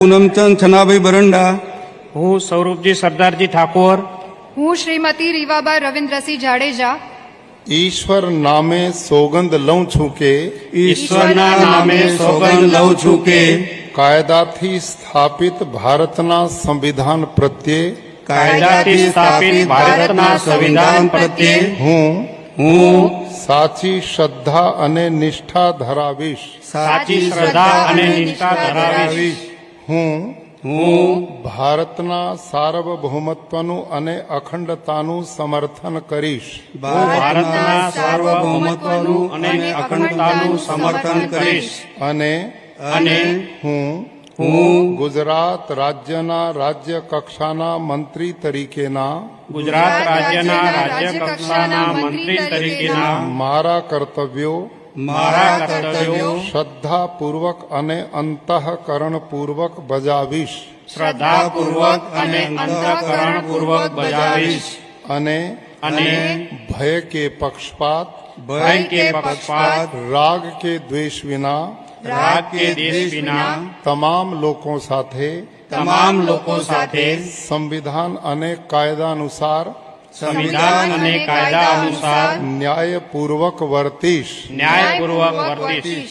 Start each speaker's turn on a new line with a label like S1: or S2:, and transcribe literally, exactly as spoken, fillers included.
S1: પૂનમચંદ છનાભાઈ બરંડા,
S2: હું સ્વરૂપજી સરદારજી ઠાકોર,
S3: હું શ્રીમતી રીવાબા રવિન્દ્રસિંહ જાડેજા
S4: ઈશ્વર નામે સોગંદ લઉં છું કે
S1: ઈશ્વરના નામે સોગંદ લઉં છું કે
S4: કાયદાથી સ્થાપિત ભારતના સંવિધાન પ્રત્યે
S2: કાયદાથી સ્થાપિત ભારતના સંવિધાન પ્રત્યે
S4: હું
S1: હું
S4: સાચી શ્રદ્ધા અને નિષ્ઠા ધરાવીશ.
S2: સાચી શ્રદ્ધા અને નિષ્ઠા ધરાવીશ.
S4: હું
S1: હું
S4: ભારતના સાર્વભૌમત્વનું અને અખંડતાનું સમર્થન કરીશ.
S2: ભારતના સાર્વભૌમત્વનું અને અખંડતાનું સમર્થન કરીશ.
S4: અને
S2: અને
S4: હું
S1: હું
S4: ગુજરાત રાજ્યના રાજ્ય કક્ષાના મંત્રી તરીકેના
S2: ગુજરાત રાજ્યના રાજ્ય કક્ષાના મંત્રી તરીકેના
S4: મારા કર્તવ્યો
S2: મારા કર્તવ્યો
S4: શ્રદ્ધાપૂર્વક અને અંતઃકરણપૂર્વક બજાવીશ.
S2: શ્રદ્ધાપૂર્વક અને અંતઃકરણપૂર્વક બજાવીશ.
S4: અને
S2: અને
S4: ભય કે પક્ષપાત
S2: ભય કે પક્ષપાત
S4: રાગ કે દ્વેષ વિના
S2: રાગ કે દેશ વિના
S4: તમામ લોકો સાથે
S2: તમામ લોકો સાથે
S4: સંવિધાન અને કાયદા અનુસાર
S2: સંવિધાન અને કાયદા અનુસાર
S4: ન્યાયપૂર્વક વર્તીશ.
S2: ન્યાયપૂર્વક વર્તીશ.